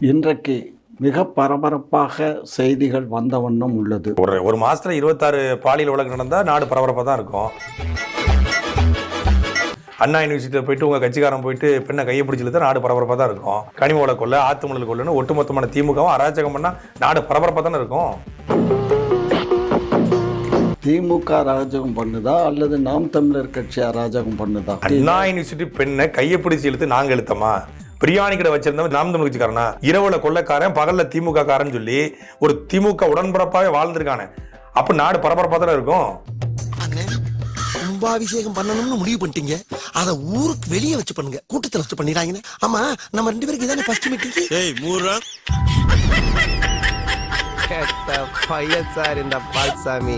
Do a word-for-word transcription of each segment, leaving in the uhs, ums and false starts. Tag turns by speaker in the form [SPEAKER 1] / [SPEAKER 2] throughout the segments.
[SPEAKER 1] இன்றைக்கு மிக பரபரப்பாக செய்திகள் வந்த வண்ணம் உள்ளது.
[SPEAKER 2] ஒரு ஒரு மாசத்துல இருபத்தாறு பாலியல் வழக்கு நடந்தா நாடு பரபரப்பாக தான் இருக்கும். அண்ணா யூனிவர்சிட்டியில் போயிட்டு உங்க கட்சிக்காரன் போயிட்டு பெண்ணை கையை பிடிச்சிட்டு நாடு பரபரப்பாக தான் இருக்கும். கனிம வள கொள்ள ஆத்துமணல் கொள்ளுன்னு ஒட்டுமொத்தமான திமுகவும் அராஜகம் பண்ணா நாடு பரபரப்பாக தானே இருக்கும்.
[SPEAKER 1] திமுக அராஜகம் பண்ணுதா அல்லது நாம் தமிழர் கட்சி அராஜகம் பண்ணுதா?
[SPEAKER 2] அண்ணா யூனிவர்சிட்டி பெண்ணை கையை பிடிச்சி இழுத்து நாங்க இழுத்தமா? பிரியாணி கடை வச்சிருந்தவன் நாம் தமிழ் கட்சிக்காரனா? இரவுல கொள்ளக்காரன் பகல்ல திமுக காரன் சொல்லி ஒரு திமுக உடன்பரப்பாவே வாழ்ந்திருக்கானே. அப்ப நாடு பரபரப்பா தானே இருக்கும்.
[SPEAKER 3] கும்பாபிஷேகம் பண்ணணும்னு முடிவு பண்ணிட்டீங்க, அத ஊருக்கு வெளியே வச்சு பண்ணுங்க, கூட்டத்தில் வச்சு பண்ணிடுறாங்க. ஆமா, நம்ம ரெண்டு பேருக்கு இதானே ஃபர்ஸ்ட் மீட்டிங். ஏய் மூரா கேட்ட பையன் சார் இந்த பால்சாமி.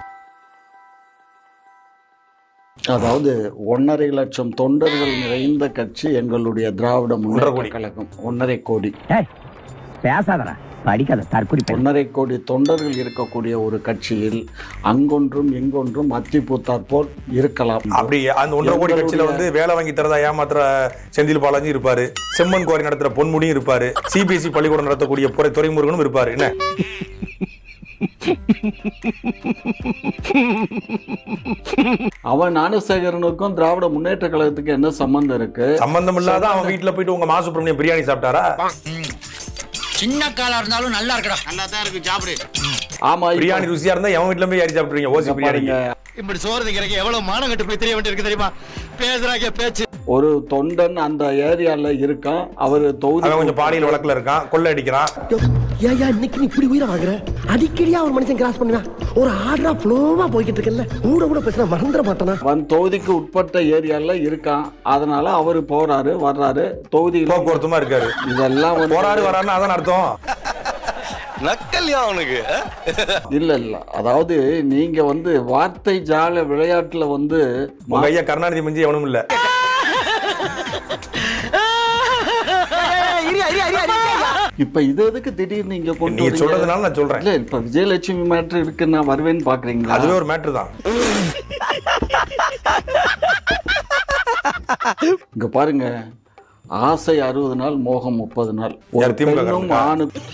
[SPEAKER 1] அதாவது ஒன்னரை லட்சம் தொண்டர்கள் நிறைந்த கட்சி எங்களுடைய திராவிட முன்னேற்ற கழகம். ஒன்னரை கோடி
[SPEAKER 4] பேசாதடா, படிக்காத தற்குறி.
[SPEAKER 1] ஒன்னரை கோடி தொண்டர்கள் இருக்கக்கூடிய ஒரு கட்சியில் அங்கொன்றும் இங்கொன்றும் அத்தி பூத்தாற் போல் இருக்கலாம்.
[SPEAKER 2] அப்படி அந்த ஒன்றரை கோடி கட்சியில வந்து வேலை வாங்கி தரதா ஏமாத்துற செந்தில் பாலாஜி இருப்பாரு, செம்மன் குவாரி நடத்துற பொன்முடியும் இருப்பாரு, சிபிஎஸ்இ பள்ளிக்கூடம் நடத்தக்கூடிய துறைமுருகனும் இருப்பாரு. என்ன
[SPEAKER 1] அவன் ஞானசேகரனுக்கும் திராவிட முன்னேற்ற கழகத்துக்கு என்ன சம்பந்தம் இருக்கு?
[SPEAKER 2] சம்பந்தம் இல்லாத அவன் வீட்டுல போயிட்டு உங்க மா சுப்பிரமணியம் பிரியாணி சாப்பிட்டாரா?
[SPEAKER 5] சின்ன காலா இருந்தாலும் நல்லா இருக்குடா, நல்லா தான் இருக்கு, சாப்பிடு.
[SPEAKER 1] ஆமா,
[SPEAKER 2] பிரியாணி ருசியா இருந்தா எவன் வீட்டுல போய் யாரி சாப்பிடுறீங்க? ஓசி பிரியாணி.
[SPEAKER 5] இப்படி சோறு திங்கிறக்கு எவ்வளவு மானம் கட்டு போய் தெரிய வேண்டியிருக்கு தெரியுமா? பேசுறாங்க பேச்சு.
[SPEAKER 1] ஒரு தொண்டன் அந்த ஏரியால இருக்கான், அவரு தொகுதி
[SPEAKER 2] கொஞ்சம் பாலியல் வழக்குல இருக்கான், கொள்ளை அடிக்கிறான்.
[SPEAKER 3] ஏயா இன்னைக்கு நீ இப்படி உயிரை வாங்குற? அடிக்கடியா ஒரு மனுஷன் கிராஸ் பண்ணுவேன், ஒரு ஆர்டரா ஃப்ளோவா போய்கிட்டு இருக்கல, கூட கூட பேசினா மறந்துட மாட்டானா?
[SPEAKER 1] அவன் தொகுதிக்கு உட்பட்ட ஏரியால இருக்கான், அதனால அவரு போறாரு வர்றாரு, தொகுதி
[SPEAKER 2] போக்குவரத்துமா இருக்காரு.
[SPEAKER 1] இதெல்லாம்
[SPEAKER 2] போறாரு வராருன்னு அதான் அர்த்தம்.
[SPEAKER 3] நக்கல்யா அவனுக்கு
[SPEAKER 1] இல்ல இல்ல, அதாவது நீங்க வந்து வார்த்தை ஜால விளையாட்டுல வந்து
[SPEAKER 2] உங்க ஐயா கருணாநிதி மிஞ்சி எவனும் இல்ல.
[SPEAKER 1] இப்ப இது எதுக்கு திடீர்னு நீங்க கொண்டு
[SPEAKER 2] நீங்க சொல்றதுனால நான் சொல்றேன்.
[SPEAKER 1] இல்ல, இப்ப விஜயலட்சுமி மேட்ரு இருக்கு, நான் வருவேன்னு பாக்குறீங்களா?
[SPEAKER 2] அதுவே ஒரு மேட்ரு தான்.
[SPEAKER 1] இங்க பாருங்க, ஆசை அறுபது நாள், மோகம் முப்பது நாள். ஒரு பெண்ணும் ஆணுக்கும்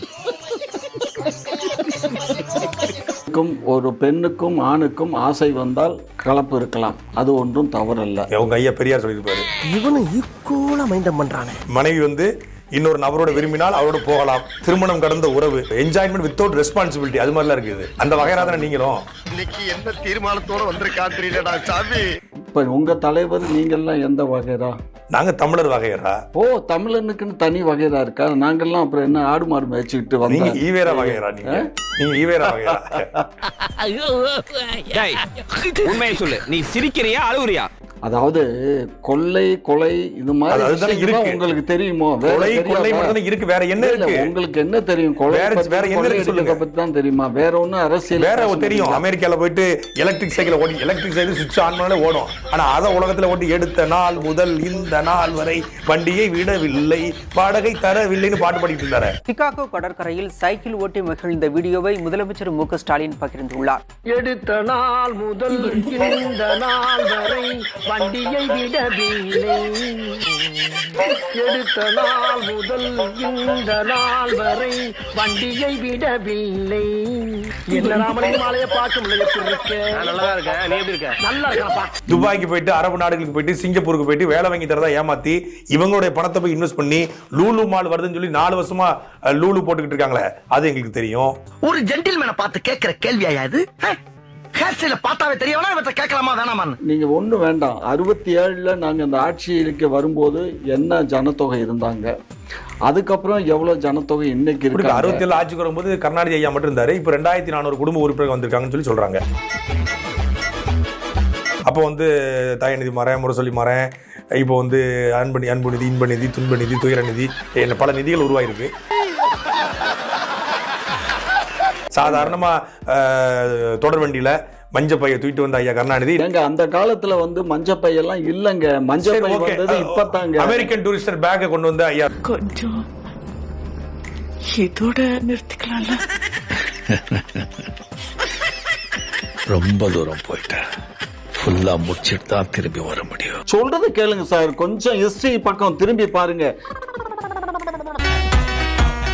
[SPEAKER 1] ஒரு பெண்ணுக்கும் ஆணுக்கும் ஆசை வந்தால் கலப்பு இருக்கலாம், அது ஒன்றும் தவறல்ல.
[SPEAKER 2] உங்க ஐயா பெரியார் சொல்லியிருப்பாரு.
[SPEAKER 3] இவனும் ஈக்குவலா மைண்டம் பண்றானே.
[SPEAKER 2] மனைவி வந்து இன்னொரு நபரோட விரும்பினால் அவரோட போகலாம், திருமணம் கடந்த உறவு, என்ஜாய்மெண்ட் வித்தவுட் ரெஸ்பான்சிபிலிட்டி, அது மாதிரிலாம் இருக்குது. அந்த வகையா தானே நீங்களும்
[SPEAKER 3] இன்னைக்கு என்ன தீர்மானத்தோட வந்திருக்கா தெரியலடா சாமி.
[SPEAKER 1] இப்ப உங்க தலைவர் நீங்கெல்லாம் எந்த வகைரா?
[SPEAKER 2] நாங்க தமிழர் வகையரா.
[SPEAKER 1] ஓ, தமிழனுக்குன்னு தனி வகைரா இருக்கா? நாங்கெல்லாம் அப்புறம் என்ன ஆடு மாடு மேய்ச்சிக்கிட்டு வந்தோம்.
[SPEAKER 2] நீங்க ஈவேரா வகையரா? நீங்க நீங்க ஈவேரா வகையரா?
[SPEAKER 4] உண்மையை சொல்லு, நீ சிரிக்கிறியா அழுகுறியா?
[SPEAKER 1] அதாவது கொள்ளை கொலை இது மாதிரி உங்களுக்கு தெரியுமோ?
[SPEAKER 2] கொலை கொள்ளை மட்டும் இருக்கு, வேற என்ன இருக்கு?
[SPEAKER 1] உங்களுக்கு என்ன தெரியும்? கொலை
[SPEAKER 2] வேற என்ன இருக்கு சொல்லுங்க.
[SPEAKER 1] பத்தி தான் தெரியுமா? வேற ஒண்ணு அரசியல்
[SPEAKER 2] வேற தெரியும். அமெரிக்கால போயிட்டு எலக்ட்ரிக் சைக்கிள் ஓடி, எலக்ட்ரிக் சைக்கிள் சுவிட்ச் ஆன் பண்ணாலே ஓடும். ஆனா அத உலகத்துல ஓட்டி எடுத்த நாள் முதல் இந்த நாள் வரை வண்டியை விடவில்லை, வாடகை தரவில்லைன்னு பாட்டு பாடிட்டு இருந்தாரு.
[SPEAKER 6] சிகாகோ கடற்கரையில் சைக்கிள் ஓட்டி மகிழ்ந்த வீடியோவை முதலமைச்சர் மு க ஸ்டாலின் பகிர்ந்துள்ளார்.
[SPEAKER 7] எடுத்த நாள் முதல் இந்த நாள் வரை வண்டியை விடவில்லை, எடுத்த நாள் முதல் இந்த நாள் வரை வண்டியை விடவில்லை. என்ன ராமலிங்க மாலையை பார்க்க முடியல. நல்லா இருக்க, நீ எப்படி இருக்க? நல்லா இருக்கப்பா.
[SPEAKER 2] துபாய்க்கு போயிட்டு, அரபு நாடுகளுக்கு போயிட்டு, சிங்கப்பூருக்கு போயிட்டு வேலை வாங்கி தரதா ஏமாத்தி இவங்களுடைய பணத்தை போய் இன்வெஸ்ட் பண்ணி லூலு மால் வருதுன்னு சொல்லி நாலு வருஷமா லூலு போட்டுக்கிட்டு இருக்காங்களே, அது எங்களுக்கு தெரியும்.
[SPEAKER 3] ஒரு ஜென்டில்மேனை பார்த்து கேட்கிற கேள்வியா இது? பார்த்தாவே தெரியவனா இவற்றை கேட்கலாமா வேணாமா?
[SPEAKER 1] நீங்க ஒண்ணு வேண்டாம். அறுபத்தி ஏழுல நாங்க அந்த ஆட்சிக்கு வரும்போது என்ன ஜனத்தொகை இருந்தாங்க, அதுக்கப்புறம் எவ்வளவு ஜனத்தொகை இன்னைக்கு இருக்கு.
[SPEAKER 2] அறுபத்தி ஏழு ஆட்சிக்கு வரும்போது கருணாநிதி ஐயா மட்டும் இருந்தாரு. இப்ப ரெண்டாயிரத்தி நானூறு குடும்ப உறுப்பினர்கள் வந்திருக்காங்கன்னு சொல்லி சொல்றாங்க. அப்போ வந்து தயநிதி மறேன், முரசொலி மறேன், இப்போ வந்து அன்பு அன்பு நிதி, இன்ப நிதி, துன்ப நிதி, துயர நிதி, பல நிதிகள் உருவாயிருக்கு. சாதாரணமா தொடர் வண்டியில மஞ்சப்பைய தூக்கிட்டு வந்த ஐயா கருணாநிதி.
[SPEAKER 1] அந்த காலத்துல வந்து மஞ்சப்பையெல்லாம் இல்லங்க, மஞ்சப்பை வந்தது இப்பதாங்க.
[SPEAKER 2] அமெரிக்கன் டூரிஸ்டர் பேக்கை கொண்டு வந்த ஐயா.
[SPEAKER 8] கொஞ்சம் இதோட நிறுத்திக்கலாம்ல.
[SPEAKER 9] ரொம்ப தூரம் போயிட்டேன், ஃபுல்லா முடிச்சிட்டு தான் திரும்பி வர முடியும்.
[SPEAKER 1] சொல்றது கேளுங்க சார், கொஞ்சம் ஹிஸ்டரி பக்கம் திரும்பி பாருங்க.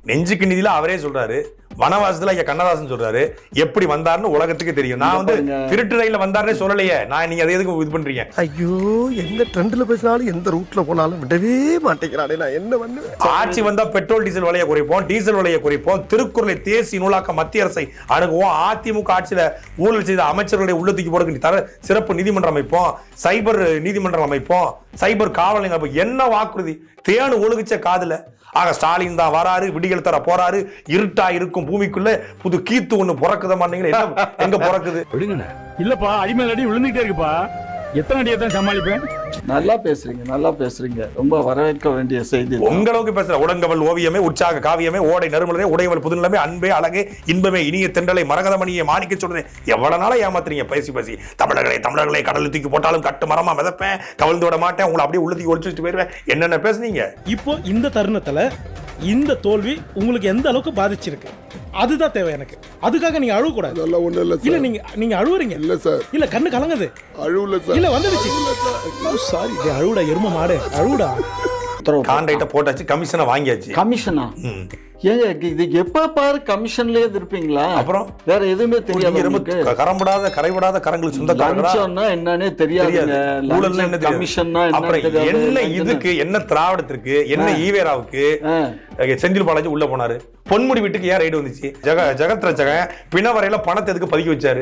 [SPEAKER 2] நெஞ்சுக்கு நிதியில அவரே சொல்றாரு, வனவாசத்துல ஐயா கண்ணதாசன் சொல்றாரு, எப்படி வந்தாருன்னு உலகத்துக்கு தெரியும். நான் வந்து திருட்டு ரயில வந்தாருன்னே சொல்லலையே, நான் நீங்க அதை எதுக்கு இது பண்றீங்க?
[SPEAKER 3] ஐயோ, எந்த ட்ரெண்ட்ல பேசினாலும் எந்த ரூட்ல போனாலும் விடவே மாட்டேங்கிறானே, நான் என்ன பண்ணுவேன்?
[SPEAKER 2] ஆட்சி வந்தா பெட்ரோல் டீசல் விலையை குறைப்போம், டீசல் விலையை குறைப்போம், திருக்குறளை தேசி நூலாக்க மத்திய அரசை அணுகுவோம், அதிமுக ஆட்சியில ஊழல் செய்த அமைச்சர்களுடைய உள்ளத்துக்கு போறதுக்கு தர சிறப்பு நீதிமன்றம் அமைப்போம், சைபர் நீதிமன்றம் அமைப்போம், சைபர் காவல் நிலையம் அமைப்போம். என்ன வாக்குறுதி? தேனு ஒழுகுச்ச காதுல. ஆக ஸ்டாலின் தான் வராரு, விடிகள் தர போறாரு, இருட்டா இருக்கும் பூமிக்குள்ள புது கீத்து ஒண்ணு பிறக்குத மாட்டீங்களா? எங்க பிறக்குது?
[SPEAKER 8] இல்லப்பா, அடிமேல் அடி விழுந்துட்டே இருக்குப்பா. எத்தனை அடியை தான் சமாளிப்பேன்?
[SPEAKER 1] நல்லா பேசுறீங்க, நல்லா பேசுறீங்க. ரொம்ப வரவேற்க வேண்டிய செய்தி.
[SPEAKER 2] உங்களுக்கு பேசுற உடங்கவல் ஓவியமே, உற்சாக காவியமே, ஓடை நறுமலரே, உடையவள் புதுநிலமே, அன்பே அழகே, இன்பமே, இனிய தென்றலை, மரகதமணியை மாணிக்க சொல்றேன். எவ்வளவு நாளா ஏமாத்துறீங்க பேசி பேசி? தமிழர்களை தமிழர்களை கடலில் தூக்கி போட்டாலும் கட்டு மரமா மிதப்பேன், கவிழ்ந்து விட மாட்டேன், உங்களை அப்படியே உள்ளத்துக்கு ஒழிச்சு வச்சுட்டு போயிருவேன். என்னென்ன பேசுனீங்க?
[SPEAKER 8] இப்போ இந்த தருணத்துல இந்த தோல்வி உங்களுக்கு எந்த அளவுக்கு பாதிச்சிருக்கு, அதுதான் தேவை எனக்கு. அதுக்காக நீங்க அழுவ கூடாது.
[SPEAKER 3] அதெல்லாம் ஒண்ணு இல்ல
[SPEAKER 8] இல்ல, நீங்க நீங்க அழுவுறீங்க.
[SPEAKER 3] இல்ல சார்,
[SPEAKER 8] இல்ல, கண்ணு கலங்குது.
[SPEAKER 3] அழுவல சார்.
[SPEAKER 8] இல்ல, வந்துடுச்சு. சாரி, அழுவுடா எரும மாடு, அழுவுடா.
[SPEAKER 2] கான்ட்ராக்ட போட்டாச்சு, கமிஷனை வாங்கியாச்சு.
[SPEAKER 1] கமிஷனா? ஏங்க இது எப்ப பாரு கமிஷன்லயே இருப்பீங்களா?
[SPEAKER 2] அப்புறம்
[SPEAKER 1] வேற எதுவுமே தெரியாது.
[SPEAKER 2] கரம்படாத கரைபடாத கரங்களுக்கு சொந்தக்காரங்களா
[SPEAKER 1] என்னன்னே தெரியாதுங்க.
[SPEAKER 2] ஊழல்னா என்ன?
[SPEAKER 1] கமிஷன்னா
[SPEAKER 2] என்ன? இதுக்கு என்ன? திராவிடத்திற்கு என்ன? ஈவேராவுக்கு செந்தில் பாலாஜி உள்ள போனாரு. பொன்முடி வீட்டுக்கு ஏன் ரைடு வந்துச்சு? ஜெக ஜெகத் ரட்சகன் பிணவரையில பணத்தை எதுக்கு பதுக்கி வச்சாரு?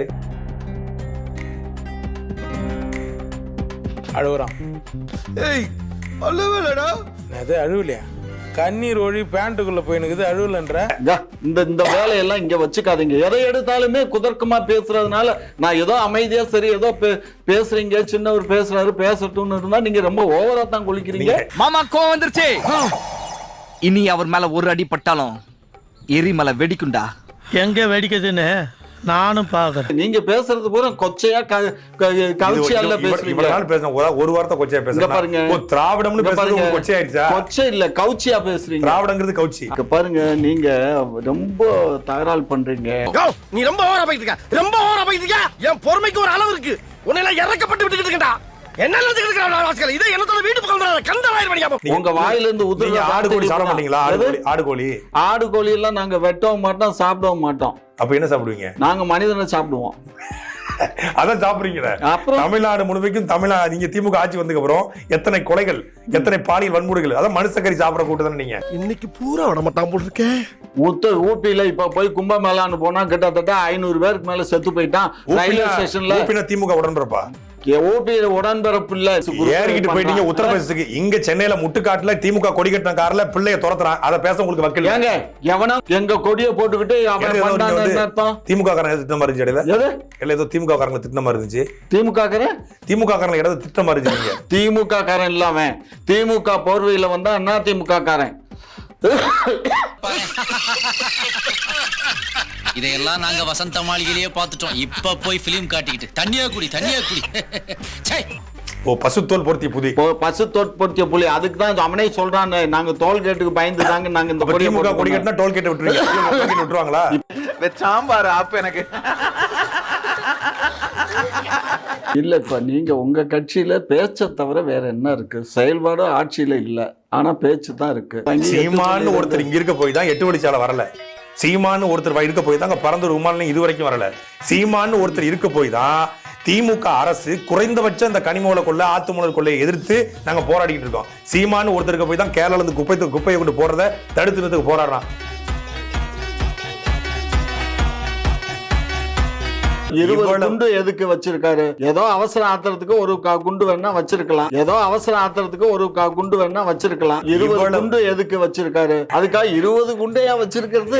[SPEAKER 8] அழுவுறான்.
[SPEAKER 3] ஏய், அழுவலடா.
[SPEAKER 8] அது அழுவலையா? கண்ணீர் ஒழி பேண்ட்டுக்குள்ள போயினுக்குது, அழுவலன்ற.
[SPEAKER 1] இந்த இந்த வேலையெல்லாம் இங்க வச்சுக்காதீங்க. எதை எடுத்தாலுமே குதர்க்கமா பேசுறதுனால நான் ஏதோ அமைதியா சரி ஏதோ பேசுறீங்க, சின்னவர் பேசுறாரு பேசட்டும்னு இருந்தா நீங்க ரொம்ப ஓவரா தான் குளிக்கிறீங்க.
[SPEAKER 4] மாமா கோவம் வந்துருச்சு. இனி அவர் மேல ஒரு அடி பட்டாலும் எரிமலை வெடிக்குண்டா.
[SPEAKER 5] எங்க வெடிக்குதுன்னு நானும் பாக்குறேன்.
[SPEAKER 1] நீங்க பேசுறது பூரா கொச்சையா கவுச்சியால பேசுறீங்க.
[SPEAKER 2] ஒரு வார்த்தை கொச்சையா பேசுறீங்க பாருங்க. திராவிடம்னு பேசுறது கொச்சை ஆயிடுச்சா?
[SPEAKER 1] கொச்சை இல்ல, கவுச்சியா பேசுறீங்க.
[SPEAKER 2] திராவிடங்கிறது கவுச்சி.
[SPEAKER 1] பாருங்க, நீங்க ரொம்ப தகராறு பண்றீங்க.
[SPEAKER 3] நீ ரொம்ப ஓவரா போயிட்டு இருக்க, ரொம்ப ஓவரா போயிட்டு இருக்க. என் பொறுமைக்கு ஒரு அளவு இருக்கு. உன்னை எல்லாம் இறக்கப்பட்டு விட்டுட்டு இருக்கடா. என்ன நினைச்சிட்டு இதை என்னத்தோட வீட்டு பக்கம் கந்தராயிரம் பண்ணியா?
[SPEAKER 1] உங்க வாயில இருந்து உதிர
[SPEAKER 2] ஆடு கோழி சாப்பிட மாட்டீங்களா? ஆடு கோழி
[SPEAKER 1] ஆடு கோழி எல்லாம் நாங்க வெட்டவும் மாட்டோம், சாப்பிடவும் மாட்டோம்.
[SPEAKER 2] அப்ப என்ன சாப்பிடுவீங்க?
[SPEAKER 1] நாங்க மனிதனை சாப்பிடுவோம்.
[SPEAKER 2] அதான் சாப்பிடுறீங்க. தமிழ்நாடு முழுமைக்கும் தமிழ்நாடு நீங்க திமுக ஆட்சி வந்ததுக்கு அப்புறம் எத்தனை கொலைகள், எத்தனை பாலியல் வன்முறைகள், அதான் மனுஷக்கறி சாப்பிட கூட்டதான் நீங்க.
[SPEAKER 3] இன்னைக்கு பூரா விட மாட்டான் போட்டிருக்கேன்.
[SPEAKER 1] உத்தர் ஊப்பியில இப்ப போய் கும்பமேளான்னு போனா கிட்டத்தட்ட ஐநூறு பேருக்கு மேல செத்து போயிட்டான். ரயில்வே ஸ்டேஷன்ல
[SPEAKER 2] திமுக உடன்பரப்பா
[SPEAKER 1] ஊபியில உடன்பரப்பு இல்ல,
[SPEAKER 2] ஏறிக்கிட்டு போயிட்டீங்க உத்தரப்பிரதேசத்துக்கு. இங்க சென்னையில முட்டுக்காட்டுல திமுக கொடி கட்டின கார்ல பிள்ளைய துரத்துறான். அதை பேச உங்களுக்கு வக்கீல்
[SPEAKER 1] ஏங்க? எவனா எங்க கொடியை போட்டுக்கிட்டு
[SPEAKER 2] திமுக காரங்க திட்டம் மாதிரி இருந்துச்சு. இல்ல ஏதோ திமுக காரங்க திட்டம் மாதிரி இருந்துச்சு.
[SPEAKER 1] திமுக காரன்
[SPEAKER 2] திமுக காரங்க ஏதாவது திட்டம் மாதிரி இருந்துச்சு.
[SPEAKER 1] திமுக காரன் இல்லாம திமுக போர்வையில வந்தா என்ன திமுக காரன்?
[SPEAKER 10] இதையெல்லாம் நாங்க வசந்த மாளிகையிலேயே பார்த்துட்டோம். இப்ப போய் பிலிம் காட்டிக்கிட்டு தண்ணியா குடி தண்ணியா குடி.
[SPEAKER 2] ஓ, பசுத்தோல் பொருத்திய புலி.
[SPEAKER 1] பசு தோல் பொருத்திய புலி. அதுக்கு தான் அவனே சொல்றான், நாங்க டோல் கேட்டுக்கு பயந்து தாங்க நாங்க இந்த
[SPEAKER 2] திமுக கொடி கட்டினா டோல் கேட் விட்டுருவீங்க. விட்டுருவாங்களா?
[SPEAKER 4] சாம்பார் ஆப் எனக்கு
[SPEAKER 1] இல்ல. இப்ப நீங்க உங்க கட்சியில பேச்ச தவிர வேற என்ன இருக்கு? செயல்பாடு ஆட்சியில இல்ல, ஆனா பேச்சு தான் இருக்கு.
[SPEAKER 2] சீமான்னு ஒருத்தர் இங்க இருக்க போய் தான் எட்டு வழிச்சாலை வரல. சீமான்னு ஒருத்தர் இருக்க போய் தான் அங்க பரந்தூர் விமானம் இது வரைக்கும் வரல. சீமான்னு ஒருத்தர் இருக்க போய் தான் திமுக அரசு குறைந்தபட்சம் இந்த கனிமூல கொள்ள ஆத்துமணல் கொள்ளையை எதிர்த்து நாங்க போராடிட்டு இருக்கோம். சீமான்னு ஒருத்தருக்கு போய் தான் கேரளால இருந்து குப்பை குப்பையை கொண்டு போறதை தடுத்து நிறுத்துக்கு போராடுறான்.
[SPEAKER 1] இருபது குண்டு எதுக்கு வச்சிருக்காரு? ஏதோ அவசர ஆத்திரத்துக்கு ஒரு குண்டு வேணா வச்சிருக்கலாம். ஏதோ அவசர ஆத்திரத்துக்கு ஒரு குண்டு வேணா வச்சிருக்கலாம். இருபது குண்டு எதுக்கு வச்சிருக்காரு? அதுக்காக இருபது குண்டையா வச்சிருக்கிறது?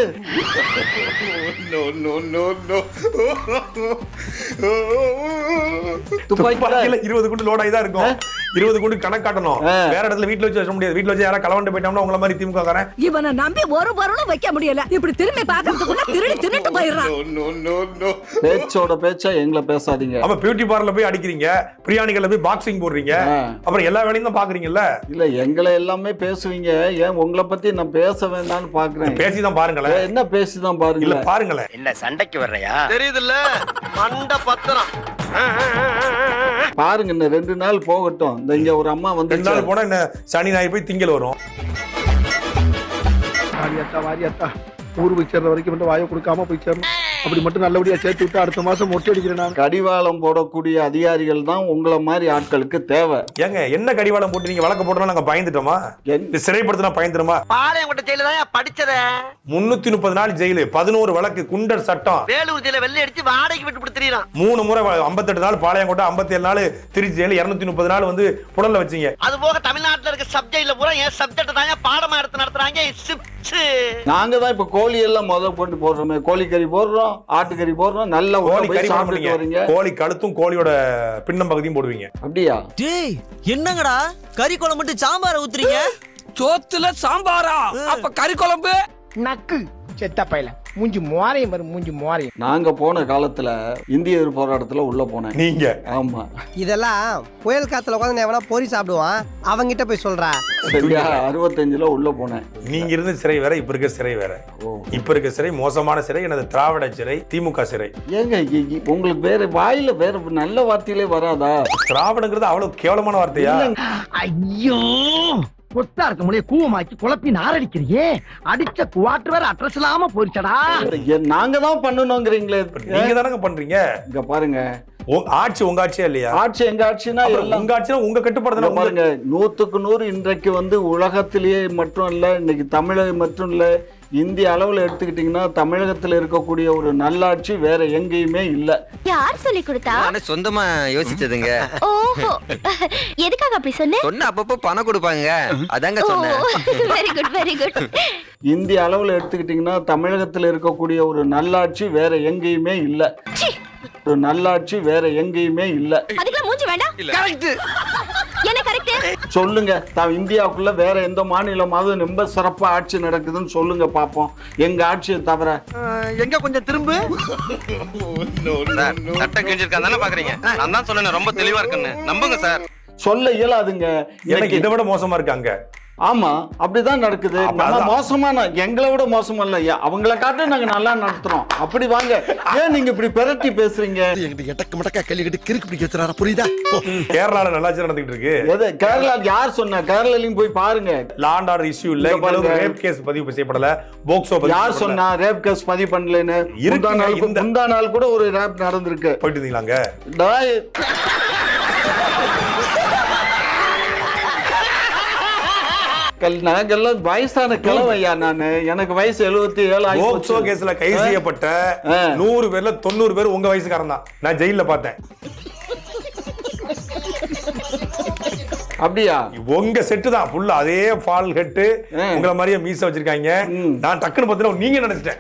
[SPEAKER 2] துப்பாக்கியில இருபது குண்டு லோட் ஆகிதான் இருக்கும். இருபது குண்டு கணக்கு காட்டணும். வேற இடத்துல வீட்டுல வச்சு வச்ச முடியாது. வீட்டுல வச்சு யாரா கலவண்டு போயிட்டோம்னா உங்களை மாதிரி திமுக காரன்
[SPEAKER 11] இவனை நம்பி ஒரு பொருளும் வைக்க முடியல. இப்படி திரும்பி பாக்கிறதுக்குள்ள திருடி தின்னுட்டு போயிடுறான்.
[SPEAKER 1] பேச்சோட பேச்சா எங்களை பேசாதீங்க.
[SPEAKER 2] அப்ப பியூட்டி பார்லர்ல போய் அடிக்கிறீங்க, பிரியாணிகள்ல போய் பாக்ஸிங் போடுறீங்க, அப்புறம் எல்லா வேலையும் தான் பாக்குறீங்கல்ல.
[SPEAKER 1] இல்ல, எங்களை எல்லாமே பேசுவீங்க. ஏன் உங்களை பத்தி நான் பேச வேண்டாம்னு பாக்குறேன்.
[SPEAKER 2] பேசிதான் பாருங்களேன்.
[SPEAKER 1] என்ன பேசிதான் பாருங்க.
[SPEAKER 2] இல்ல பாருங்களேன்.
[SPEAKER 4] என்ன சண்டைக்கு வர்றையா?
[SPEAKER 3] தெரியுதுல்ல, மண்ட பத்திரம்.
[SPEAKER 1] பாருங்க, இன்னும் ரெண்டு நாள் போகட்டும். இந்த இங்க ஒரு அம்மா வந்து
[SPEAKER 2] ரெண்டு நாள் போனா என்ன சனி ஞாயிறு போய் திங்கள் வரும்.
[SPEAKER 7] வாரியாத்தா வாரியாத்தா ஊர் போய் சேர்ற வரைக்கும் மட்டும் வாயை கொடுக்காம போய் சேரணும். அப்படி மட்டும் நல்லபடியா சேர்த்து விட்டு அடுத்த மாசம் மொட்டை அடிக்கிறேன் நான்.
[SPEAKER 1] கடிவாளம் போடக்கூடிய அதிகாரிகள் தான் உங்களை மாதிரி ஆட்களுக்கு தேவை.
[SPEAKER 2] ஏங்க என்ன கடிவாளம் போட்டு நீங்க வழக்கு போட்டோம்னா நாங்க பயந்துட்டோமா? சிறைப்படுத்தினா பயந்துருமா?
[SPEAKER 3] பாளையங்கோட்டை ஜெயில தான் படிச்சத.
[SPEAKER 2] முன்னூத்தி முப்பது நாள் ஜெயிலு, பதினோரு வழக்கு, குண்டர் சட்டம்.
[SPEAKER 3] வேலூர் ஜெயில வெள்ளை அடிச்சு வாடகைக்கு விட்டு கொடுத்துறான்.
[SPEAKER 2] மூணு முறை ஐம்பத்தெட்டு நாள் பாளையங்கோட்டை, ஐம்பத்தி ஏழு நாள் திருச்சி ஜெயில, இருநூத்தி முப்பது நாள் வந்து புடல்ல வச்சீங்க.
[SPEAKER 3] அது போக தமிழ்நாட்டுல இருக்க சப்ஜெக்ட்ல பூரா என் சப்ஜெக்ட் தான் பாடமா எடுத்து நடத்துறாங்க.
[SPEAKER 1] நாங்க தான் இப்ப கோழி எல்லாம் முதல் போட்டு போடுறோமே, கோழிக்கறி போடுறோம், ஆட்டுக்கறி போடுறோம், நல்ல
[SPEAKER 2] கோழி கறி சாப்பிடுறீங்க. கோழி கழுத்தும் கோழியோட பின்னம் பகுதியும் போடுவீங்க.
[SPEAKER 1] அப்படியா?
[SPEAKER 10] டேய் என்னங்கடா கறி குழம்பு மட்டும் சாம்பார ஊத்துறீங்க?
[SPEAKER 4] சோத்துல சாம்பாரா? அப்ப கறி குழம்பு
[SPEAKER 7] நக்கு செத்த பையல மூஞ்சி மோரையும் வரும் மூஞ்சி மோரையும்.
[SPEAKER 1] நாங்க போன காலத்துல இந்திய எதிர்ப்பு போராட்டத்துல உள்ள போனேன்.
[SPEAKER 2] நீங்க?
[SPEAKER 1] ஆமா.
[SPEAKER 7] இதெல்லாம் புயல் காத்துல உட்காந்து எவனா பொறி சாப்பிடுவான், அவங்கிட்ட போய் சொல்றா.
[SPEAKER 1] சரியா? அறுபத்தஞ்சுல உள்ள போனேன்.
[SPEAKER 2] நீங்க இருந்த சிறை வேற, இப்ப இருக்க சிறை வேற. இப்ப இருக்க சிறை மோசமான சிறை, எனது திராவிட சிறை, திமுக சிறை.
[SPEAKER 1] ஏங்க உங்களுக்கு வேற வாயில வேற நல்ல வார்த்தையிலே வராதா?
[SPEAKER 2] திராவிடங்கிறது அவ்வளவு கேவலமான வார்த்தையா?
[SPEAKER 7] ஐயோ கொத்தா இருக்க முடிய கூவமாக்கி குழப்பி நாரடிக்கிறியே, அடிச்ச குவாட்டர் வேற அட்ரஸ் இல்லாம போயிடுச்சடா.
[SPEAKER 1] நாங்க தான் பண்ணணுங்கிறீங்களே.
[SPEAKER 2] நீங்க தானங்க பண்றீங்க.
[SPEAKER 1] இங்க பாருங்க,
[SPEAKER 2] ஆட்சி உங்க ஆட்சியா இல்லையா?
[SPEAKER 1] ஆட்சி எங்க ஆட்சினா
[SPEAKER 2] உங்க ஆட்சினா உங்க கட்டுப்பாடு
[SPEAKER 1] பாருங்க. நூத்துக்கு நூறு இன்றைக்கு வந்து உலகத்திலேயே மட்டும் இல்ல, இன்னைக்கு தமிழகம் மட்டும் இல்ல, இந்திய அளவுல எடுத்துக்கிட்டீங்கன்னா தமிழகத்துல இருக்கக்கூடிய ஒரு நல்லாட்சி வேற எங்கேயுமே இல்ல.
[SPEAKER 11] யார் சொல்லி கொடுத்தா?
[SPEAKER 4] சொந்தமா யோசிச்சதுங்க.
[SPEAKER 11] ஓஹோ, எதுக்காக அப்படி சொன்ன?
[SPEAKER 4] சொன்ன அப்பப்போ பணம் கொடுப்பாங்க, அதாங்க சொன்னேன்.
[SPEAKER 11] Very good very good.
[SPEAKER 1] இந்திய அளவுல எடுத்துக்கிட்டீங்கன்னா தமிழகத்துல இருக்கக்கூடிய ஒரு நல்லாட்சி வேற எங்கேயுமே இல்ல. ஒரு நல்லாட்சி வேற எங்கேயுமே இல்ல.
[SPEAKER 11] அதுக்கெல்லாம் மூஞ்சி வேண்டாம்.
[SPEAKER 3] கரெக்ட்.
[SPEAKER 11] என்ன கரெக்ட்?
[SPEAKER 1] சொல்லுங்க. இந்தியாவுக்குள்ள வேற எந்த மாநிலமாவது ரொம்ப சிறப்பா ஆட்சி நடக்குதுன்னு சொல்லுங்க பாப்போம், எங்க ஆட்சியை தவிர.
[SPEAKER 3] எங்க கொஞ்சம் திரும்ப.
[SPEAKER 5] சட்டை கிழிஞ்சிருக்காங்க பாக்குறீங்க. நான் தான் சொன்னேன் ரொம்ப தெளிவா இருக்குன்னு, நம்புங்க சார்.
[SPEAKER 1] சொல்ல இயலாதுங்க.
[SPEAKER 2] எனக்கு இதை விட மோசமா இருக்காங்க.
[SPEAKER 1] ஆமா, அப்படிதான் நடக்குது. நம்ம மோசமான, எங்களை விட மோசமா இல்ல, அவங்கள காட்ட நாங்க நல்லா நடத்துறோம். அப்படி வாங்க. ஏன் நீங்க இப்படி பெரட்டி பேசுறீங்க?
[SPEAKER 3] எட்டக்கு மடக்கா கேள்வி கிறுக்கு பிடிக்க வச்சுறாரா, புரியுதா?
[SPEAKER 2] கேரளால நல்லாச்சு நடந்துட்டு இருக்கு.
[SPEAKER 1] எது கேரளா? யார் சொன்னா? கேரளாலையும் போய் பாருங்க.
[SPEAKER 2] லாண்ட் ஆர்டர் இஷ்யூ இல்ல, ரேப் கேஸ் பதிவு செய்யப்படல, போக்சோ பதிவு.
[SPEAKER 1] யார் சொன்னா ரேப் கேஸ் பதிவு பண்ணலன்னு? முந்தா நாள் கூட ஒரு ரேப் நடந்திருக்கு.
[SPEAKER 2] போயிட்டு இருந்தீங்களாங்க?
[SPEAKER 1] நாங்கெல்லாம் வயசான கிழவையா நானு. எனக்கு வயசு எழுபத்தி ஏழு.
[SPEAKER 2] போக்சோ கேஸ்ல கைது செய்யப்பட்ட நூறு பேர்ல தொண்ணூறு பேர் உங்க வயசுக்காரன் தான். நான் ஜெயில பார்த்தேன்.
[SPEAKER 1] அப்படியா?
[SPEAKER 2] உங்க செட்டு தான் ஃபுல்லா அதே ஃபால் ஹெட், உங்கள மாதிரியே மீச வச்சிருக்காங்க. நான் டக்குன்னு பார்த்தா நீங்க நினைச்சிட்டேன்.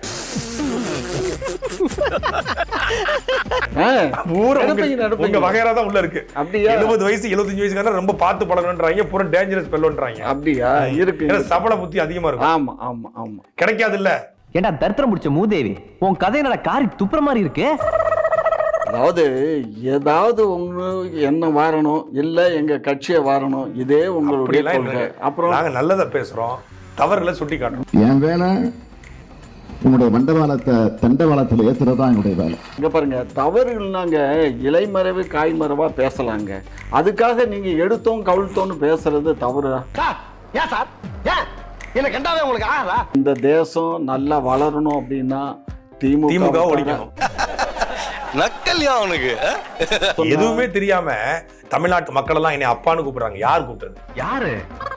[SPEAKER 2] உங்க வகையறா தான் உள்ள இருக்கு. எழுபது வயசு எழுபத்தஞ்சு வயசுக்காரங்க ரொம்ப பார்த்து பழகணும்ன்றாங்க, பூரா டேஞ்சரஸ் பெல்லோன்றாங்க.
[SPEAKER 1] அப்படியா? இருக்கு.
[SPEAKER 2] ஏன்னா சபல புத்தி அதிகமா இருக்கும்.
[SPEAKER 1] ஆமா ஆமா ஆமா.
[SPEAKER 2] கிடைக்காது இல்ல.
[SPEAKER 7] ஏண்டா தரித்திரம் முடிச்ச மூதேவி, உன் கதை என்னடா காரி துப்புற மாதிரி இருக்கு.
[SPEAKER 1] அதாவது ஏதாவது ஒண்ணு என்ன வாரணும், இல்ல எங்க கட்சியை வாரணும், இதே உங்களுடைய கொள்கை. அப்புறம்
[SPEAKER 2] நாங்க நல்லதை பேசுறோம், தவறுகளை சுட்டி காட்டுறோம்.
[SPEAKER 12] என் வேலை உங்களுடைய மண்டபாலத்தை தண்டவாளத்தில் ஏத்துறதா என்னுடைய வேலை.
[SPEAKER 1] இங்க பாருங்க, தவறுகள்னாங்க இலைமறைவு காய்மறைவா பேசலாங்க. அதுக்காக நீங்க எடுத்தோம் கவிழ்த்தோன்னு பேசுறது தவறா?
[SPEAKER 3] ஏன் சார்? ஏன் என்ன கண்டாவே உங்களுக்கு ஆறா?
[SPEAKER 1] இந்த தேசம் நல்லா வளரணும் அப்படின்னா திமுக
[SPEAKER 2] திமுக ஒழிக்கணும்.
[SPEAKER 5] நக்கல்யா அவனுக்கு
[SPEAKER 2] எதுவுமே தெரியாம தமிழ்நாட்டு மக்கள் எல்லாம் என்னை அப்பான்னு கூப்பிடுறாங்க. யார் கூப்பிட்டது?
[SPEAKER 7] யாரு?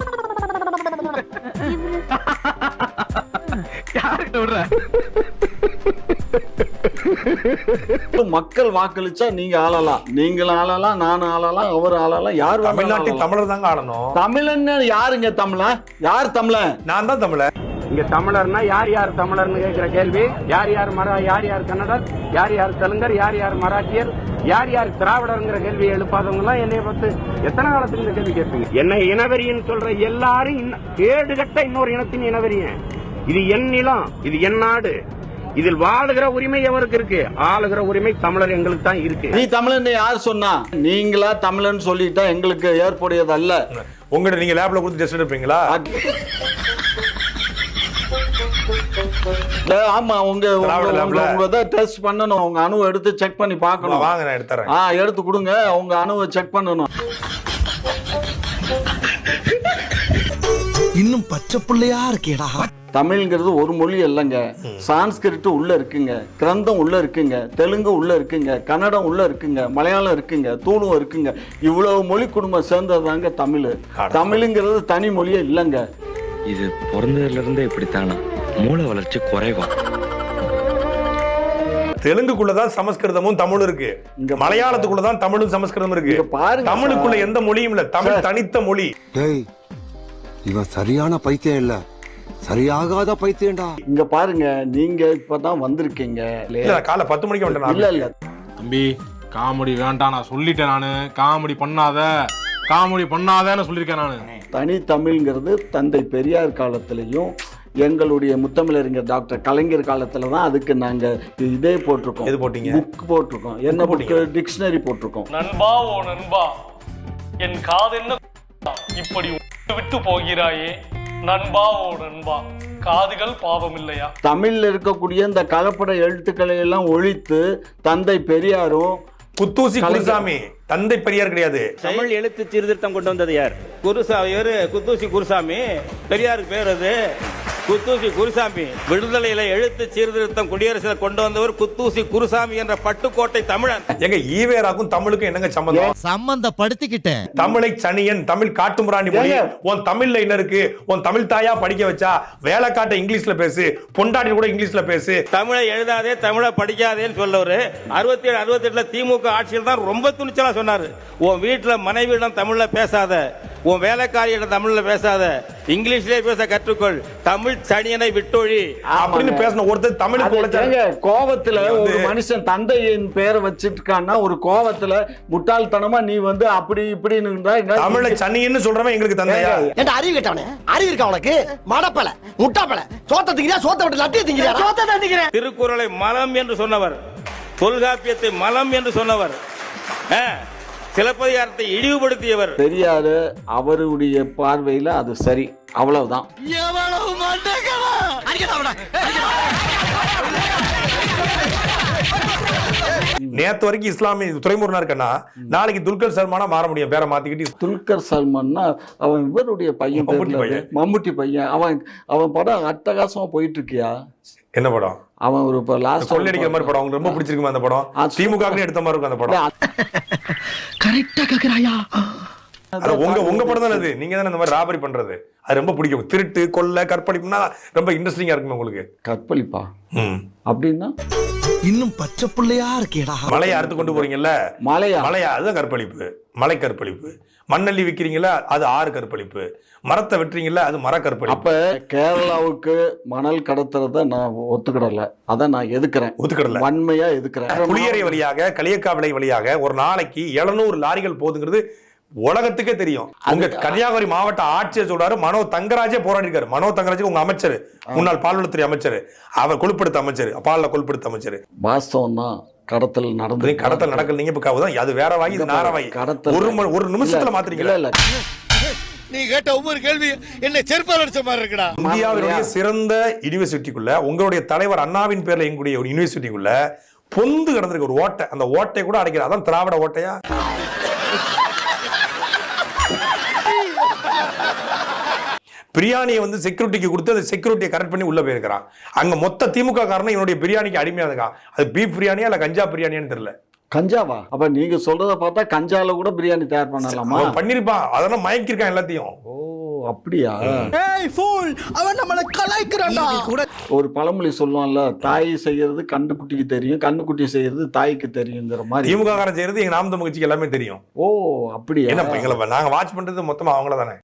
[SPEAKER 1] மக்கள் வாக்களிச்சா நீங்க ஆளலாம், நீங்களும் ஆளலாம், நானும் ஆளலாம், அவர் ஆளலாம், யார்
[SPEAKER 2] தமிழ்நாட்டில் தமிழர் தாங்க ஆளணும்.
[SPEAKER 1] தமிழன் யாருங்க? தமிழன் யார்? தமிழன்
[SPEAKER 2] நான் தான் தமிழன்.
[SPEAKER 7] இங்க தமிழர்னா யார் யார் தமிழர்னு கேட்கிற கேள்வி, யார் யார் மரா யார் யார் கன்னடர், யார் யார் தெலுங்கர், யார் யார் மராட்டியர், யார் யார் திராவிடர்ங்கிற கேள்வி எழுப்பாதவங்க எல்லாம் என்னைய பார்த்து எத்தனை காலத்துக்கு இந்த கேள்வி கேட்பீங்க? என்ன இனவெறின்னு சொல்ற எல்லாரும் ஏடு கட்ட இன்னொரு இனத்தின் இனவெறியன். இது என் நிலம், இது என் நாடு, இதில் வாழுகிற உரிமை எவருக்கு இருக்கு? ஆளுகிற உரிமை தமிழர் எங்களுக்கு தான் இருக்கு.
[SPEAKER 1] நீ தமிழன் யார் சொன்னா? நீங்களா தமிழன் சொல்லிட்டா எங்களுக்கு ஏற்புடையது அல்ல.
[SPEAKER 2] உங்கள்கிட்ட நீங்க லேப்ல கொடுத்து டெஸ்ட் எடுப்பீங்களா?
[SPEAKER 1] ஆமா, உங்க உங்க டெஸ்ட் பண்ணணும். உங்க அணுவை எடுத்து செக் பண்ணி பார்க்கணும்.
[SPEAKER 2] வாங்க, நான் எடுத்துறேன்.
[SPEAKER 1] ஆ, எடுத்து கொடுங்க. உங்க அணுவை செக் பண்ணணும்.
[SPEAKER 3] இன்னும் பச்சை பிள்ளையா இருக்கேடா.
[SPEAKER 1] தமிழ்ங்கிறது ஒரு மொழி இல்லைங்க. சான்ஸ்கிரிட் உள்ள இருக்குங்க, கிரந்தம் உள்ள இருக்குங்க, தெலுங்கு உள்ள இருக்குங்க, கன்னடம் உள்ள இருக்குங்க, மலையாளம் இருக்குங்க, தூளும் இருக்குங்க. இவ்வளவு மொழி குடும்பம் சேர்ந்ததாங்க தமிழ். தமிழுங்கிறது தனி மொழியே இல்லைங்க.
[SPEAKER 13] இது பிறந்ததுல இருந்தே இப்படித்தானா? மூளை வளர்ச்சி குறைவா?
[SPEAKER 2] தெலுங்குக்குள்ளதான் சமஸ்கிருதமும் தமிழும் இருக்கு, மலையாளத்துக்குள்ளதான் தமிழும் சமஸ்கிருதம் இருக்கு. தமிழுக்குள்ள எந்த மொழியும் இல்ல, தமிழ் தனித்த மொழி.
[SPEAKER 3] இவன் சரியான பைத்தியம் இல்ல, சரியாகாத பைத்தியம்டா.
[SPEAKER 1] இங்க பாருங்க, நீங்க இப்பதான் வந்திருக்கீங்க.
[SPEAKER 2] காலை பத்து மணிக்கு வந்துட்டேன்.
[SPEAKER 1] இல்ல இல்ல
[SPEAKER 8] தம்பி, காமெடி வேண்டாம், நான் சொல்லிட்டேன். நானு காமெடி பண்ணாத காமெடி பண்ணாதன்னு சொல்லியிருக்கேன். நானு
[SPEAKER 1] தனி தமிழ்ங்கிறது தந்தை பெரியார் காலத்திலையும் எங்களுடைய முத்தமிழறிஞர் டாக்டர் கலைஞர் காலத்துல தான் அதுக்கு நாங்க இதே போட்டிருக்கோம்.
[SPEAKER 2] எது போட்டீங்க?
[SPEAKER 1] புக் போட்டிருக்கோம். என்ன புக்? டிக்ஷனரி போட்டிருக்கோம்.
[SPEAKER 8] நண்பா, ஓ நண்பா, என் காதென்ன இப்படி விட்டு போகிறாயே நண்பா, ஓ நண்பா, காதுகள் பாவம் இல்லையா?
[SPEAKER 1] தமிழ்ல இருக்கக்கூடிய இந்த கலப்பட எழுத்துக்களை எல்லாம் ஒழித்து தந்தை பெரியாரும்
[SPEAKER 2] குத்தூசி குருசாமி, தந்தை பெரியார் கிடையாது.
[SPEAKER 7] தமிழ் எழுத்து சீர்திருத்தம் கொண்டு வந்தது யார்? குருசாமி. குத்தூசி குருசாமி. பெரியாருக்கு பேர் அது குத்தூசி குருசாமி. விடுதலையில எழுத்து சீர்திருத்தம் குடியரசுல கொண்டு வந்தவர் குத்தூசி குருசாமி என்ற பட்டுக்கோட்டை தமிழன்.
[SPEAKER 2] எங்க ஈவேராக்கும் தமிழுக்கும் என்னங்க சம்பந்தம்?
[SPEAKER 3] சம்பந்தப்படுத்திக்கிட்டேன்.
[SPEAKER 2] தமிழை சனியன், தமிழ் காட்டுமிராண்டி மொழி. உன் தமிழ்ல என்ன இருக்கு? உன் தமிழ் தாயா படிக்க வச்சா வேலை காட்ட இங்கிலீஷ்ல பேசு, பொண்டாட்டி கூட இங்கிலீஷ்ல பேசு.
[SPEAKER 7] தமிழை எழுதாதே, தமிழை படிக்காதேன்னு சொல்லவரு அறுபத்தி ஏழு அறுபத்தி எட்டுல திமுக ஆட்சியில் தான் ரொம்ப துணிச்சலா சொன்னாரு. உன் வீட்டுல மனைவியிடம் தமிழ்ல பேசாத, உன் வேலைக்காரியிடம் தமிழ்ல பேசாத, இங்கிலீஷ்லயே பேச கற்றுக்கொள், தமிழ் சனியனை விட்டொழி
[SPEAKER 2] அப்படின்னு பேசின ஒருத்தர் தமிழுக்கு
[SPEAKER 1] கோவத்துல ஒரு மனுஷன் தந்தையின் பேரை வச்சிட்டு இருக்கான்னா ஒரு கோவத்துல முட்டாள்தனமா நீ வந்து அப்படி இப்படின்னு
[SPEAKER 2] தமிழை சனியன்னு சொல்றவன் எங்களுக்கு தந்தையா?
[SPEAKER 3] ஏன்டா அறிவு கேட்டவனே? அறிவு இருக்கா உனக்கு? மடப்பல, முட்டாப்பல, சோத்த திங்கிறியா? சோத்த விட்டு லட்டிய திங்கிறியா? சோத்த தான் திங்கிறேன். திருக்குறளை மலம் என்று சொன்னவர், தொல்காப்பியத்தை மலம் என்று சொன்னவர், சிலப்பதிகாரத்தை இழிவுபடுத்தியவர்
[SPEAKER 1] பெரியாரு. அவருடைய பார்வையில அது சரி, அவ்வளவுதான்.
[SPEAKER 2] நேத்து வரைக்கும் இஸ்லாமிய துறைமுருகனா இருக்கன்னா நாளைக்கு துல்கர் சல்மானா மாற முடியும். பேரை மாத்திக்கிட்டு
[SPEAKER 1] துல்கர் சல்மான்னா அவன் இவருடைய பையன், மம்முட்டி பையன். அவன் அவன் படம் அட்டகாசமா போயிட்டு இருக்கியா?
[SPEAKER 2] என்ன படம்?
[SPEAKER 1] அவன் ஒரு இப்ப லாஸ்ட்
[SPEAKER 2] கொள்ளடிக்கிற மாதிரி படம். உங்களுக்கு ரொம்ப பிடிச்சிருக்குமா அந்த படம்? திமுக எடுத்த மாதிரி இருக்கும் அந்த படம்.
[SPEAKER 3] கரெக்டா கேக்குறாயா?
[SPEAKER 2] உங்க உங்க படம் தானே அது. நீங்க தானே இந்த மாதிரி ராபரி பண்றது, அது ரொம்ப பிடிக்கும். திருட்டு, கொள்ளை, கற்பழிப்புனா ரொம்ப இன்ட்ரெஸ்டிங்கா இருக்குமே உங்களுக்கு.
[SPEAKER 1] கற்பழிப்பா அப்படின்னா
[SPEAKER 3] இன்னும் பச்சை பிள்ளையா இருக்கேடா.
[SPEAKER 2] மலையை அறுத்து கொண்டு போறீங்கல்ல,
[SPEAKER 1] மலையா
[SPEAKER 2] மலையா அதுதான் கற்பழிப்பு. மலை கற்பழிப்பு. மண்ணள்ளி விக்கிறீங்களா, அது ஆறு கற்பழிப்பு. மரத்தை வெட்டுறீங்களா, அது மர கற்பழிப்பு.
[SPEAKER 1] அப்ப கேரளாவுக்கு மணல் கடத்துறத நான் ஒத்துக்கிடல, அதை நான் எதுக்குறேன்.
[SPEAKER 2] ஒத்துக்கிடல,
[SPEAKER 1] வன்மையா எதுக்குறேன்.
[SPEAKER 2] புளியரை வழியாக, களியக்காவிளை வழியாக ஒரு நாளைக்கு எழுநூறு லாரிகள் போகுதுங்கிறது உலகத்துக்கே தெரியும். உங்க கன்னியாகுமரி மாவட்ட ஆட்சியர் சொல்றாரு, மனோ தங்கராஜே போராடி இருக்காரு. மனோ தங்கராஜ் உங்க அமைச்சர், முன்னாள் பால்வளத்துறை அமைச்சர், அவர் கொழுப்படுத்த அமைச்சர், பால்ல கொழுப்படுத்த அமைச்சர்.
[SPEAKER 1] வாஸ்தவம் தான், கடத்தல் நடந்து
[SPEAKER 2] கடத்தல் நடக்கல. நீங்க இப்ப அது வேற வாங்கி, இது நார வாங்கி. ஒரு ஒரு நிமிஷத்துல மாத்திரீங்களா? இல்ல
[SPEAKER 3] நீ கேட்ட ஒவ்வொரு கேள்வி என்ன செருப்பால் அடிச்ச மாதிரி இருக்குடா.
[SPEAKER 2] இந்தியாவுடைய சிறந்த யூனிவர்சிட்டிக்குள்ள உங்களுடைய தலைவர் அண்ணாவின் பேர்ல எங்களுடைய ஒரு யூனிவர்சிட்டிக்குள்ள பொந்து கிடந்திருக்கு ஒரு ஓட்டை. அந்த ஓட்டை கூட அடைக்கிற, அதான் திராவிட ஓட்டையா? பிரியாணியை வந்து செக்யூரிட்டிக்கு கொடுத்து அந்த செக்யூரிட்டியை கரெக்ட் பண்ணி உள்ள போயிருக்கிறான். அங்க மொத்த திமுக காரணம் என்னுடைய பிரியாணிக்கு அடிமையா இருக்கான். அது பீஃப் பிரியாணியா இல்ல கஞ்சா பிரியாணியான்னு தெரியல.
[SPEAKER 1] கஞ்சாவா? அப்ப நீங்க சொல்றத பார்த்தா கஞ்சால கூட பிரியாணி தயார் பண்ணலாமா?
[SPEAKER 2] பண்ணிருப்பான், அதெல்லாம் மயக்கிருக்கான் எல்லாத்தையும்.
[SPEAKER 1] ஓ அப்படியா?
[SPEAKER 3] ஏய் ஃபூல், அவன் நம்மள கலாய்க்கறான்டா.
[SPEAKER 1] ஒரு பழமொழி சொல்லுவான்ல, தாய் செய்யறது கண்ணுக்குட்டிக்கு தெரியும், கண்ணுக்குட்டி செய்யறது தாய்க்கு தெரியுங்கிற மாதிரி.
[SPEAKER 2] திமுக காரன் செய்யறது எங்க நாம் தமிழ் கட்சிக்கு எல்லாமே தெரியும்.
[SPEAKER 1] ஓ அப்படியா?
[SPEAKER 2] என்ன எங்களை நாங்க வாட்ச் பண்றது மொத்தமா அவங்கள தானே.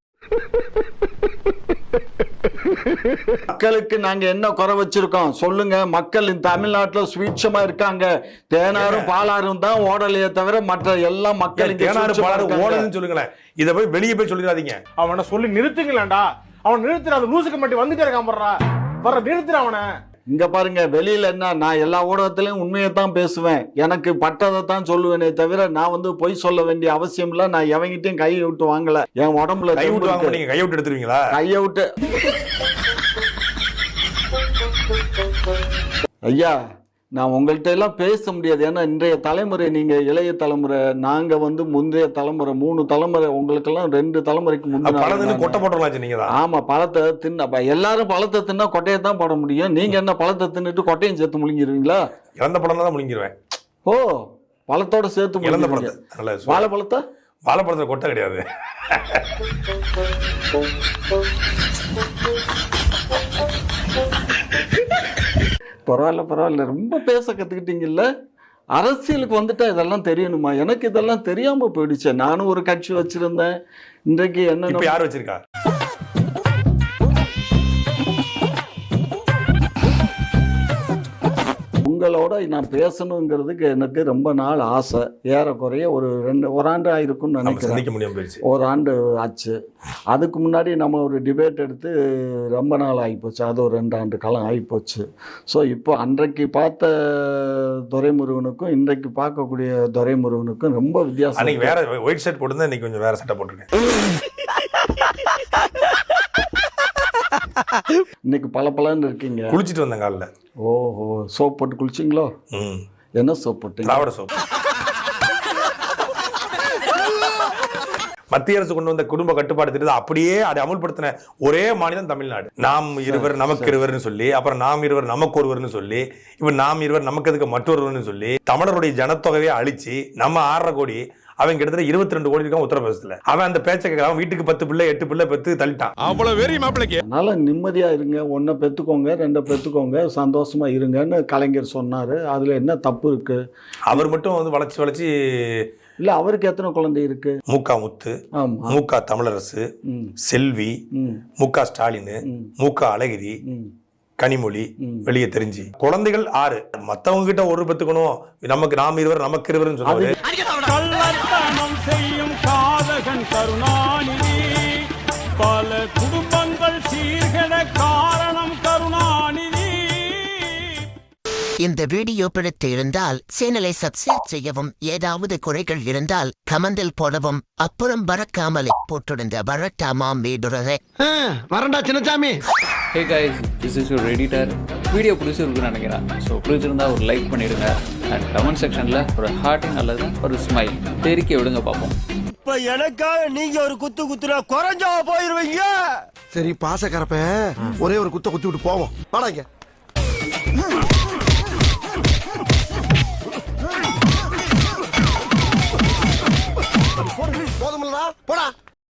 [SPEAKER 1] மக்களுக்கு நாங்க என்ன குறை வச்சிருக்கோம் சொல்லுங்க. மக்கள் இந்த தமிழ்நாட்டுல சுவீட்சமா இருக்காங்க. தேனாரும் பாலாரும் தான் ஓடலையே தவிர மற்ற எல்லா மக்களும்
[SPEAKER 2] தேனாரும் பாலாரும் ஓடலன்னு சொல்லுங்களேன். இதை போய் வெளியே போய் சொல்லிடாதீங்க.
[SPEAKER 8] அவனை சொல்லி நிறுத்துங்களேன்டா. அவன் நிறுத்துற, அந்த லூசுக்கு மட்டும் வந்துட்டே இருக்கான். வர்றா வர்ற நிறுத்துற அவனை.
[SPEAKER 1] இங்க பாருங்க, வெளியில என்ன, நான் எல்லா ஊடகத்திலையும் உண்மையை தான் பேசுவேன். எனக்கு பட்டதை தான் சொல்லுவேனே தவிர நான் வந்து பொய் சொல்ல வேண்டிய அவசியம் இல்ல. நான் எவங்கிட்டையும் கையை விட்டு வாங்கல. என் உடம்புல
[SPEAKER 2] கை விட்டு வாங்க. நீங்க கையை விட்டு எடுத்துருவீங்களா?
[SPEAKER 1] கையை விட்டு ஐயா, நான் உங்கள்கிட்ட எல்லாம் பேச முடியாது. ஏன்னா இன்றைய தலைமுறை, நீங்க இளைய தலைமுறை, நாங்க வந்து முந்தைய தலைமுறை, மூணு தலைமுறை, உங்களுக்கெல்லாம் ரெண்டு தலைமுறைக்கு முன்னாடி
[SPEAKER 2] கொட்டை போட்டலாம் நீங்க.
[SPEAKER 1] ஆமா, பழத்தை தின்ன எல்லாரும் பழத்தை தின்னா கொட்டையை தான் போட முடியும். நீங்க என்ன பழத்தை தின்னுட்டு கொட்டையும் சேர்த்து முழுங்கிடுவீங்களா?
[SPEAKER 2] இறந்த பழம் தான் முழுங்கிடுவேன்.
[SPEAKER 1] ஓ, பழத்தோட சேர்த்து
[SPEAKER 2] இறந்த பழத்தை.
[SPEAKER 1] வாழைப்பழத்தை
[SPEAKER 2] வாழைப்பழத்துல கொட்டை கிடையாது.
[SPEAKER 1] பரவாயில்ல பரவாயில்ல, ரொம்ப பேச கத்துக்கிட்டீங்கல்ல. அரசியலுக்கு வந்துட்டா இதெல்லாம் தெரியணுமா? எனக்கு இதெல்லாம் தெரியாம போயிடுச்சு. நானும் ஒரு கட்சி வச்சிருந்தேன். இன்றைக்கு என்ன
[SPEAKER 2] யார் வச்சிருக்கா?
[SPEAKER 1] உங்களோட நான் பேசணுங்கிறதுக்கு எனக்கு ரொம்ப நாள் ஆசை. ஏறக்குறைய ஒரு ரெண்டு ஒரு ஆண்டு ஆயிருக்கும்னு நினைக்கிறேன். ஒரு ஆண்டு ஆச்சு. அதுக்கு முன்னாடி நம்ம ஒரு டிபேட் எடுத்து ரொம்ப நாள் ஆகிப்போச்சு. அது ஒரு ரெண்டு ஆண்டு காலம் ஆகிப்போச்சு. ஸோ இப்போ அன்றைக்கு பார்த்த துரைமுருகனுக்கும் இன்றைக்கு பார்க்கக்கூடிய துரைமுருகனுக்கும் ரொம்ப வித்தியாசம்.
[SPEAKER 2] வேற ஒயிட் ஷர்ட் போட்டு இன்னைக்கு கொஞ்சம் வேற சட்டை போட்டிருக்கேன்.
[SPEAKER 1] இன்னைக்கு பல பலன்னு இருக்கீங்க.
[SPEAKER 2] குளிச்சுட்டு வந்தேன் காலைல.
[SPEAKER 1] ஓஹோ, சோப் போட்டு குளிச்சிங்களோ? என்ன சோப் போட்டு?
[SPEAKER 2] திராவிட சோப். மத்திய அரசு கொண்டு வந்த குடும்ப கட்டுப்பாடு திட்டத்தை அப்படியே அதை அமுல்படுத்தின ஒரே மாநிலம் தமிழ்நாடு. நாம் இருவர் நமக்கு இருவர்னு சொல்லி, அப்புறம் நாம் இருவர் நமக்கு ஒருவர்னு சொல்லி, இப்ப நாம் இருவர் நமக்கு எதுக்கு மற்றொருவர்னு சொல்லி தமிழருடைய ஜனத்தொகையை அழிச்சு நம்ம ஆறரை கோடி, அவன் கிட்டத்தட்ட இருபத்தி ரெண்டு கோடி இருக்கான் உத்தரப்பிரதேசத்துல. அவன் அந்த பேச்சை கேட்கறான். வீட்டுக்கு பத்து பிள்ளை எட்டு பிள்ளை பெத்து தள்ளிட்டான்.
[SPEAKER 3] அவ்வளவு வெறி மாப்பிளைக்கு.
[SPEAKER 1] அதனால நிம்மதியா இருங்க, ஒன்றை பெத்துக்கோங்க, ரெண்டை பெத்துக்கோங்க, சந்தோஷமா இருங்கன்னு கலைஞர் சொன்னாரு. அதுல என்ன தப்பு இருக்கு?
[SPEAKER 2] அவர் மட்டும் வந்து வளைச்சு வளைச்சு
[SPEAKER 1] இல்ல, அவருக்கு எத்தனை குழந்தை இருக்கு?
[SPEAKER 2] மூக்கா முத்து, மூக்கா தமிழரசு, செல்வி, மூக்கா ஸ்டாலின், மூக்கா அழகிரி, கனிமொழி, வெளியே தெரிஞ்சு குழந்தைகள் ஆறு. மத்தவங்க கிட்ட ஒரு பெத்துக்கணும், நமக்கு நாம் இருவர் நமக்கு இருவர் சொன்னாரு.
[SPEAKER 7] செய்யும் காதகன் கருணாநிதி, பல குடும்பங்கள் சீர்கெட காரணம் கருணாநிதி.
[SPEAKER 14] இந்த வீடியோ பிடித்து இருந்தால் சேனலை சப்ஸ்கிரைப் செய்யவும், ஏதாவது குறைகள் இருந்தால் கமெண்டில் போடவும், அப்புறம் பறக்காமலே போட்டிருந்த வரட்டாமாம் வீடுறதை
[SPEAKER 3] வரண்டா Chinnasamy.
[SPEAKER 4] Hey guys, this is your editor. Video பிடிச்சிருக்குன்னு நினைக்கிறேன். ஸோ பிடிச்சிருந்தா ஒரு லைக் பண்ணிடுங்க. அண்ட் கமெண்ட் செக்ஷனில் ஒரு ஹார்ட்டிங் அல்லது ஒரு ஸ்மைல் தெரிக்க விடுங்க பார்ப்போம்.
[SPEAKER 3] இப்ப எனக்காக நீங்க ஒரு குத்து குத்துனா குறைஞ்சா போயிருவீங்க. சரி பாசக்கரப்ப ஒரே ஒரு குத்த குத்தி விட்டு போவோம். வாடாங்க. போதுமில்லடா, போடா.